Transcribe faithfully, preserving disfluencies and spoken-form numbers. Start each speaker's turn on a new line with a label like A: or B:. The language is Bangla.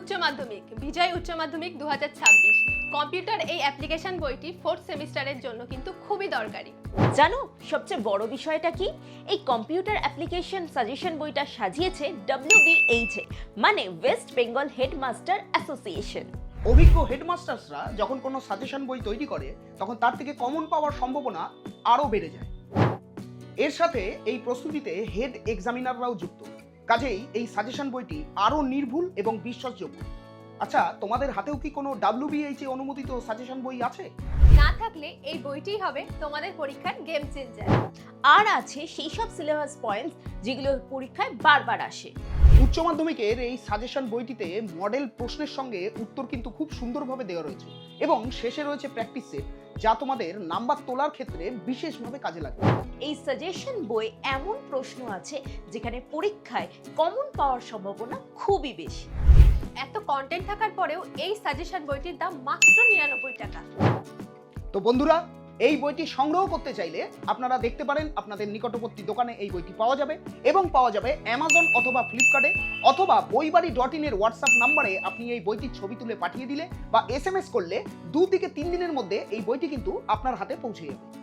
A: উচ্চ মাধ্যমিক বিজয় উচ্চ মাধ্যমিক দু হাজার ছাব্বিশ কম্পিউটার এই অ্যাপ্লিকেশন বইটি ফোর্থ সেমিস্টারের জন্য কিন্তু খুবই দরকারি।
B: জানো সবচেয়ে বড় বিষয়টা কি? এই কম্পিউটার অ্যাপ্লিকেশন সাজেশন বইটা সাজিয়েছে ডব্লিউবিএইচ মানে ওয়েস্ট বেঙ্গল হেডমাস্টার অ্যাসোসিয়েশন।
C: অভিজ্ঞ হেডমাস্টার্সরা যখন কোনো সাজেশন বই তৈরি করে তখন তার থেকে কমন পাওয়ার সম্ভাবনা আরও বেড়ে যায়। এর সাথে এই প্রস্তুতিতে হেড এক্সামিনাররাও যুক্ত, কাজেই এই সাজেশন বইটি আরও নির্ভুল এবং বিশ্বাসযোগ্য। আচ্ছা, তোমাদের হাতেও কি কোনো ডাব্লিউবিএইচ এ অনুমোদিত সাজেশন বই আছে?
A: না থাকলে এই বইটিই হবে তোমাদের পরীক্ষার গেম চেঞ্জার।
B: আর আছে সেই সব সিলেবাস পয়েন্টস যেগুলো পরীক্ষায় বারবার আসে।
C: উচ্চ মাধ্যমিকের এই সাজেশন বইটিতে মডেল প্রশ্নের সঙ্গে উত্তর কিন্তু খুব সুন্দরভাবে দেওয়া রয়েছে এবং শেষে রয়েছে প্র্যাকটিস সেট, যা তোমাদের নাম্বার তোলার ক্ষেত্রে বিশেষভাবে কাজে লাগবে।
B: এই সাজেশন বই এমন প্রশ্ন আছে যেখানে পরীক্ষায় কমন পাওয়ার সম্ভাবনা খুবই বেশি।
A: এত কন্টেন্ট থাকার পরেও এই সাজেশন বইটির দাম মাত্র নিরানব্বই টাকা।
C: তো বন্ধুরা, এই বইটি সংগ্রহ করতে চাইলে আপনারা দেখতে পারেন আপনাদের নিকটবর্তী দোকানে এই বইটি পাওয়া যাবে এবং পাওয়া যাবে অ্যামাজন অথবা ফ্লিপকার্টে, অথবা বইবাড়ি ডট ইন এর হোয়াটসঅ্যাপ নাম্বারে আপনি এই বইটির ছবি তুলে পাঠিয়ে দিলে বা এস এম এস করলে দু থেকে তিন দিনের মধ্যে এই বইটি কিন্তু আপনার হাতে পৌঁছে যাবে।